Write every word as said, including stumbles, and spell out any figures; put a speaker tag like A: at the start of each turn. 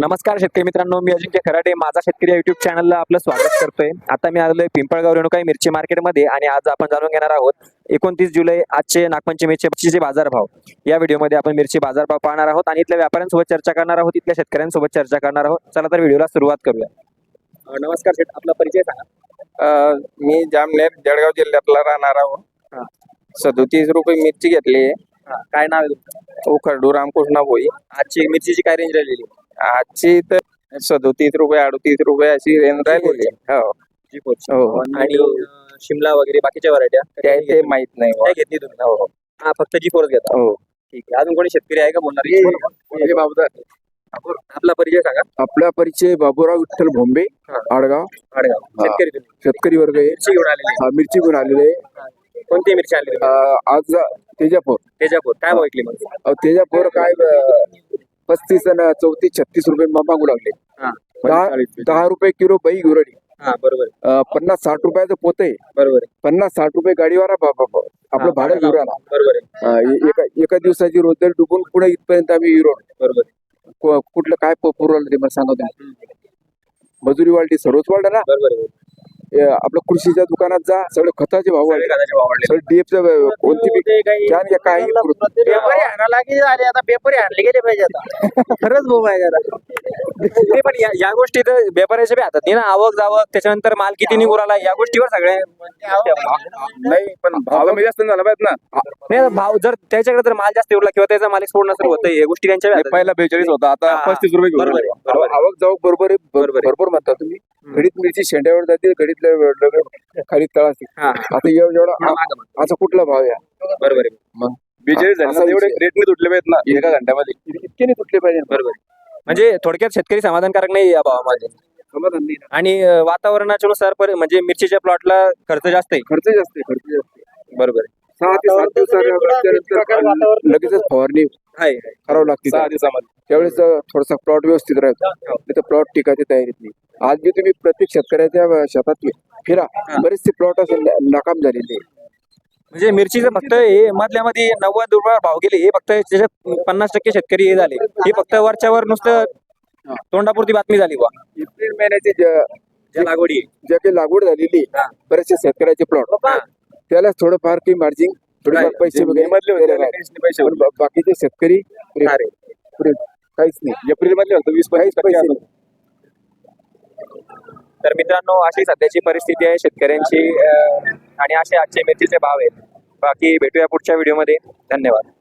A: नमस्कार शेतकरी मित्रांनो, मी अजिंक्य खराटे माझा शेतकरी युट्यूब चॅनलला आपलं स्वागत करतोय। आता मी आलोय पिंपळगाव रेणुकाई मिरची मार्केटमध्ये आणि आज आपण जाणून घेणार आहोत एकोणतीस जुलै आजचे नागपंचमीचे बाजारभाव। या व्हिडिओमध्ये आपण मिरची बाजारभाव पाहणार आहोत आणि इथल्या व्यापाऱ्यांसोबत चर्चा करणार आहोत, इथल्या शेतकऱ्यांसोबत चर्चा करणार आहोत। चला तर व्हिडिओला सुरुवात करूया। नमस्कार शेठ, आपला परिचय सांगा।
B: मी जामनेर जळगाव जिल्ह्यातला राहणार आहोत। सदोतीस रुपये मिरची घेतली।
A: काय नाव आहे तुमचं?
B: उखरडू रामकृष्ण भोई।
A: आजची मिरचीची काय रेंज राहिलेली?
B: आजची तर सदोतीस रुपये अडतीस रुपये अशी रेंज राहिलेली। हो हो
A: आणि अं, शिमला वगैरे बाकीच्या व्हरायट्या
B: त्या ते माहित नाही
A: काय घेतली तुम्ही?
B: हो
A: हा, फक्त जी फोर घेता?
B: हो
A: ठीक आहे। अजून कोणी शेतकरी आहे का बोलणार?
B: बाबूराव
A: आपला परिचय सांगा।
C: आपला परिचय बाबूराव विठ्ठल भोंबे, आडगाव।
A: आडगाव शेतकरी तुम्ही?
C: शेतकरी वर्ग आहे।
A: मिरची घेऊन आलेली?
C: हा, मिरची घेऊन आलेले आहे।
A: कोणती मिरची आणली तुम्ही?
C: अं, आज तेजापूर
A: तेजापूर काय भाव विकली मग?
C: अं, तेजापूर काय अं, पस्तीस आणि चौतीस छत्तीस रुपये मागू लागले।
A: हा
C: दहा दहा रुपये किलो बाई गुरडी।
A: हा बरोबर आहे,
C: अं, पन्नास साठ रुपयाचं पोत आहे।
A: बरोबर आहे।
C: पन्नास साठ रुपये गाडीवाला बा- बा- बा- आपलं
A: हा,
C: भाडं घेऊन आला।
A: बरोबर आहे,
C: अं, ए- एका एका दिवसाची रोजगार डुबून पुढे इथपर्यंत आम्ही हिरो
A: बरोबर आहे,
C: कुठलं काय प- पुरवलं ते मला सांगा तुम्ही। मजुरी वाढली, सर्वच वाढलं ना।
A: बरोबर आहे।
C: ए, आपलं कृषीच्या दुकानात जा, सगळे खताचे भाव वाढले,
A: सगळे खताचे भाव वाढले।
C: सगळे डीएफचं कोणती बी कॅन घ्या, काही
D: पेपर आणायला की अरे आता पेपर आणले गेले पाहिजे आता खरंच भाऊ आहे जरा
A: ते पण या या गोष्टी तर व्यापाऱ्याच्या बी हातात नाही ना। आवक जावक, त्याच्यानंतर माल किती निघून आला, या गोष्टीवर सगळ्या
B: नाही, पण भाव कमी जास्त झाला पाहिजे ना।
A: नाही, भाव जर त्याच्याकडे जर माल जास्त उरला किंवा त्याचा माल एक्सपोर्ट नसेल होत, या गोष्टी त्यांच्या बी हातात.
B: पहिला बेचाळीस होता, आता
A: हा,
B: पस्तीस रुपये घेऊन
A: बरोबर
B: आले.
A: आहे, बरोबर आहे.
C: आवक जाऊक बरोबर आहे, ब-
A: बरोबर आहे.
C: बरोबर म्हणता तुम्ही। घडीत मिरची शेंड्यावर जाते, घडीत खाली तळाशी।
A: हा,
C: आता एव- एवढा
A: हा, मागं मग.
C: असा कुठला भाव या
A: बरोबर आहे,
C: मग
B: बेचाळीस झाले
C: असा
B: ना, एवढे
C: विषय.
B: रेट नाही तुटले पाहिजेत ना एका घंट्यामध्ये।
C: इतके नाही तुटले पाहिजे,
A: बरोबर आहे। म्हणजे थोडक्यात शेतकरी समाधानकारक नाही या भावामध्ये।
C: समाधान नाही ना।
A: आणि अं, वातावरणाच्या नुसार पर- म्हणजे मिरचीच्या प्लॉटला खर्च जास्त आहे।
C: खर्च जास्त आहे, खर्च जास्त आहे।
A: बरोबर आहे,
C: सहा ते सात दिवसानंतर लगेच फवारणी
A: आहे
C: करावं लागते।
B: सहा दिवसामध्ये
C: त्यावेळेस थोडासा प्लॉट व्यवस्थित राहतो, तिथं प्लॉट टिकायची तयारीत नाही। आज बी तुम्ही प्रत्येक शेतकऱ्याच्या शेतात फिरा, बरेचसे प्लॉट असे न- नाकाम झालेले आहे।
A: म्हणजे मिरचीचं फक्त हे मधल्या मध्ये नव्वद रुपये भाव गेले, हे फक्त त्याच्यात पन्नास टक्के शेतकरी हे झाले। हे फक्त वरच्यावर नुसतं तोंडापुरती बातमी झाली बा।
C: एप्रिल महिन्याची ज्या
A: ज्या लागवडी आहे.
C: ज्या काही लागवड झालेली
A: हा.
C: बरेचसे शेतकऱ्याचे प्लॉट,
A: हा.
C: त्याला थोडंफार काही मार्जिन, थोडेफार
A: नाही,
C: पैसे
B: जे
C: वगैरे
B: मधले होते
C: दिलेले
B: त्याला
C: आहेत.
B: काहीच नाही पैसे
C: पण बा- बाकीचे शेतकरी पुरे-
A: अरे,
C: पुरे काहीच नाही,
B: एप्रिल मधले होते वीस
C: काहीच
B: पंचवीस
C: पैसे
B: टक्के
C: नाही।
A: तर मित्रांनो, अशी सध्याची परिस्थिती आहे शेतकऱ्यांची अं, आणि असे आजचे मिरचीचे भाव आहेत। बाकी भेटूया पुढच्या व्हिडिओमध्ये। धन्यवाद।